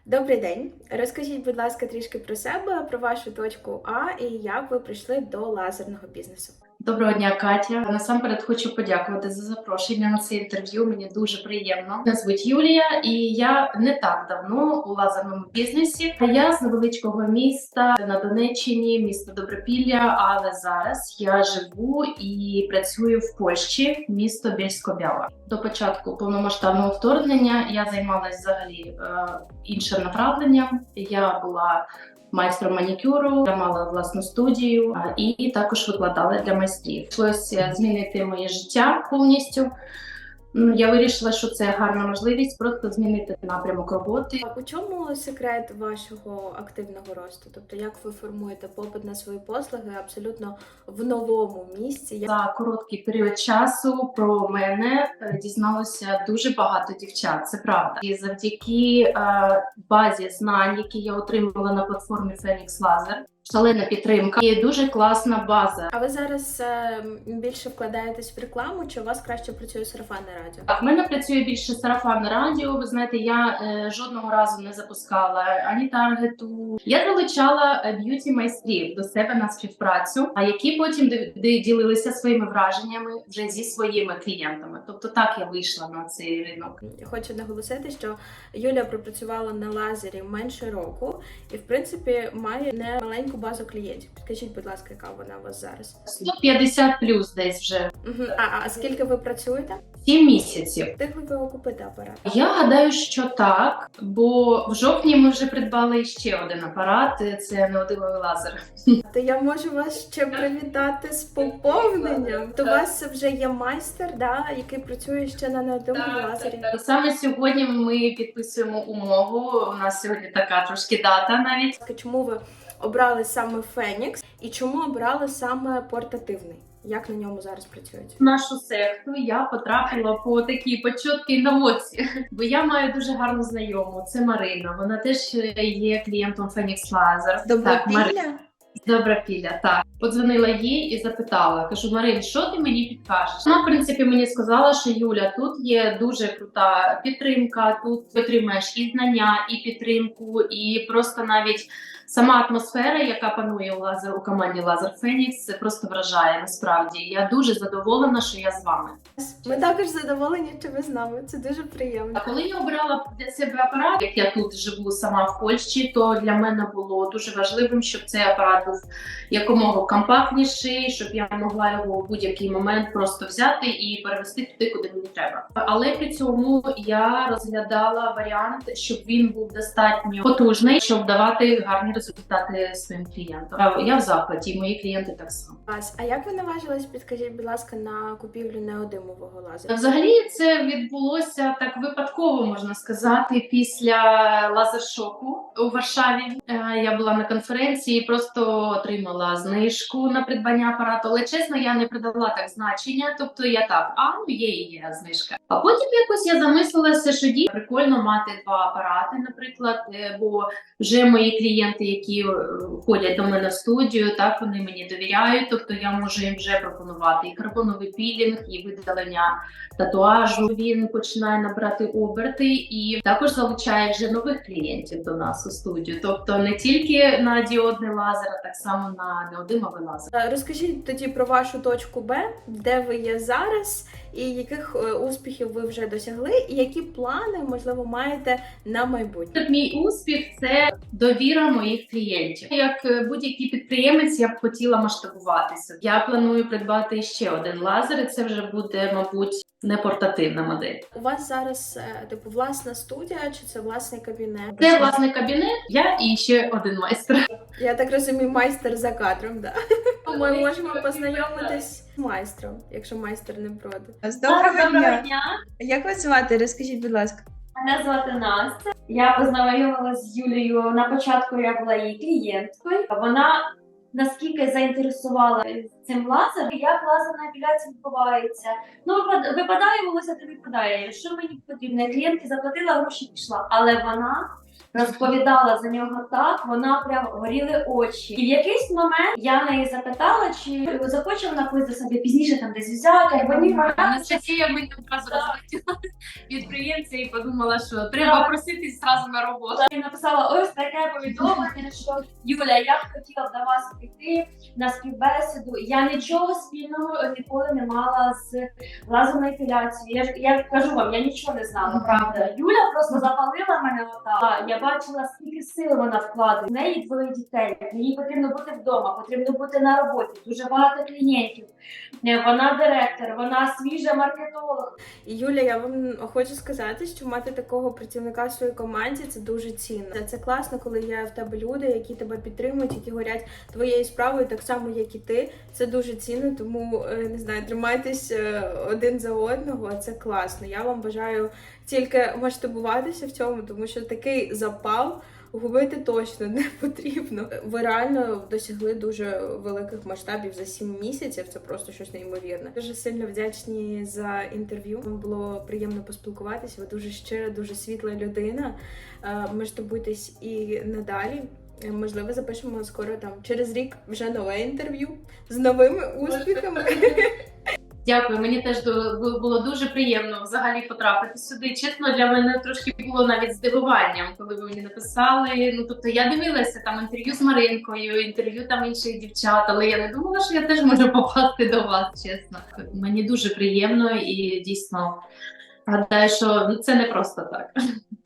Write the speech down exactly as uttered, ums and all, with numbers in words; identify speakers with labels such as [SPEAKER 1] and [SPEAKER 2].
[SPEAKER 1] Добрий день. Розкажіть, будь ласка, трішки про себе, про вашу точку А і як ви прийшли до лазерного бізнесу.
[SPEAKER 2] Доброго дня, Катя. Насамперед хочу подякувати за запрошення на це інтерв'ю. Мені дуже приємно. Мене звуть Юлія, і я не так давно у лазерному бізнесі. Я з невеличкого міста на Донеччині, місто Добропілля. Але зараз я живу і працюю в Польщі, місто Бєльсько-Біała. До початку повномасштабного вторгнення я займалася взагалі е, іншим направленням. Я була майстром манікюру, я мала власну студію а, і також викладала для майстрів. Прийшлося змінити моє життя повністю. Ну, Я вирішила, що це гарна можливість просто змінити напрямок роботи.
[SPEAKER 1] А у чому секрет вашого активного росту? Тобто, як ви формуєте попит на свої послуги абсолютно в новому місці?
[SPEAKER 2] За короткий період часу про мене е, дізналося дуже багато дівчат, це правда. І завдяки е, базі знань, які я отримала на платформі Phoenix Laser, шалена підтримка і дуже класна база.
[SPEAKER 1] А ви зараз е, більше вкладаєтесь в рекламу, чи у вас краще працює сарафанне радіо?
[SPEAKER 2] Так, в мене працює більше сарафанне радіо. Ви знаєте, я е, жодного разу не запускала ані таргету. Я залучала е, б'юті-майстрів до себе на співпрацю, а які потім ди- ди- ділилися своїми враженнями вже зі своїми клієнтами. Тобто так я вийшла на цей ринок.
[SPEAKER 1] Хочу наголосити, що Юля пропрацювала на лазері менше року і, в принципі, має не маленьку базу клієнтів. Скажіть, будь ласка, яка вона у вас зараз?
[SPEAKER 2] сто п'ятдесят плюс десь вже.
[SPEAKER 1] Угу. А, а скільки ви працюєте?
[SPEAKER 2] сім місяців.
[SPEAKER 1] Встигли ви окупити апарат?
[SPEAKER 2] Я гадаю, що так, бо в жовтні ми вже придбали ще один апарат. Це неодимовий лазер.
[SPEAKER 1] То я можу вас ще привітати з поповненням. То у вас вже є майстер, да, який працює ще на неодимовому лазері.
[SPEAKER 2] І саме сьогодні ми підписуємо умову. У нас сьогодні така трошки дата навіть.
[SPEAKER 1] Чому ви обрали саме Фенікс і чому обрали саме портативний? Як на ньому зараз працюють?
[SPEAKER 2] В нашу секту я потрапила по такій почоткій наводці, бо я маю дуже гарну знайому. Це Марина. Вона теж є клієнтом Phoenix Laser. Так, Марина. Добропілля, так. Подзвонила їй і запитала, кажу: Марин, що ти мені підкажеш? Вона, в принципі, мені сказала, що Юля, тут є дуже крута підтримка, тут ти отримаєш і знання, і підтримку, і просто навіть сама атмосфера, яка панує у лазер у команді Laser Phoenix, це просто вражає насправді. Я дуже задоволена, що я з вами.
[SPEAKER 1] Ми також задоволені, що ви з нами. Це дуже приємно.
[SPEAKER 2] А коли я обрала для себе апарат, як я тут живу сама в Польщі, то для мене було дуже важливим, щоб цей апарат був якомога компактніший, щоб я могла його в будь-який момент просто взяти і перевести туди, куди мені треба. Але при цьому я розглядала варіант, щоб він був достатньо потужний, щоб давати гарні результати своїм клієнтам. Я в захваті, і мої клієнти так само.
[SPEAKER 1] А як ви наважились, підкажіть, будь ласка, на купівлю неодимового лазера?
[SPEAKER 2] Взагалі це відбулося так випадково, можна сказати, після лазер-шоку у Варшаві. Е, Я була на конференції, просто отримала знижку на придбання апарату, але чесно, я не придала так значення, тобто я так, а ну є і є знижка. А потім якось я замислилася, що дійсно прикольно мати два апарати, наприклад, е, бо вже мої клієнти, які е, ходять до мене в студію, так вони мені довіряють, тобто я можу їм вже пропонувати і карбоновий пілінг, і видалення татуажу. Він починає набрати оберти і також залучає вже нових клієнтів до нас у студію. Тобто не тільки на діодний лазер, а так само на неодимовий лазер.
[SPEAKER 1] Розкажіть тоді про вашу точку Б, де ви є зараз, і яких е, успіхів ви вже досягли, і які плани, можливо, маєте на майбутнє.
[SPEAKER 2] Мій успіх – це довіра моїх клієнтів. Як е, будь-який підприємець, я б хотіла масштабуватися. Я планую придбати ще один лазер, і це вже буде, мабуть, не портативна модель.
[SPEAKER 1] У вас зараз е, типу власна студія чи це власний кабінет?
[SPEAKER 2] Це власний кабінет, я і ще один майстер.
[SPEAKER 1] Я так розумію, майстер за кадром, да. Ми можемо познайомитись з майстром, якщо майстер не проти.
[SPEAKER 3] Доброго дня!
[SPEAKER 4] дня!
[SPEAKER 3] Як вас звати? Розкажіть, будь ласка.
[SPEAKER 4] Мене звати Настя. Я познайомилася з Юлією. На початку я була її клієнткою. Вона наскільки заінтересувала цим лазером, як лазерна епіляція відбувається. Ну, випад- випадає волосся, то випадає. Що мені потрібно? Я клієнтки заплатила, гроші пішла. Але вона розповідала за нього так, вона прям горіли очі. І в якийсь момент я неї запитала, чи захоче вона когось до себе пізніше там десь взяти, або ні, вона
[SPEAKER 2] Анастасія мені одразу розлетіла підприємця і подумала, що треба проситись зразу на роботу.
[SPEAKER 4] і написала ось таке повідомлення, що Юля, я б хотіла б до вас прийти на співбесіду. Я нічого спільного ніколи не мала з лазерною епіляцією. Я ж я кажу вам, я нічого не знала, правда. Юля просто запалила мене отак. Я бачила, скільки сил вона вкладає. В неї двоє дітей. Їй потрібно бути вдома, потрібно бути на роботі. Дуже багато клієнтів. Вона директор, вона свіжа маркетолог.
[SPEAKER 1] І Юля, я вам хочу сказати, що мати такого працівника в своїй команді це дуже цінно. Це класно, коли є в тебе люди, які тебе підтримують, які горять твоєю справою, так само, як і ти. Це дуже цінно, тому не знаю, тримайтесь один за одного. Це класно. Я вам бажаю тільки масштабуватися в цьому, тому що такий запал губити точно не потрібно. Ви реально досягли дуже великих масштабів за сім місяців. Це просто щось неймовірне. Дуже сильно вдячні за інтерв'ю. Вам було приємно поспілкуватися. Ви дуже щира, дуже світла людина. Масштабуйтесь і надалі. Можливо, запишемо скоро там через рік вже нове інтерв'ю з новими успіхами.
[SPEAKER 2] Дякую, мені теж до- було дуже приємно взагалі потрапити сюди. Чесно, для мене трошки було навіть здивуванням, коли ви мені написали. Ну, тобто я дивилася там інтерв'ю з Маринкою, інтерв'ю там інших дівчат, але я не думала, що я теж можу попасти до вас, чесно. Мені дуже приємно і дійсно гадаю, що це не просто так.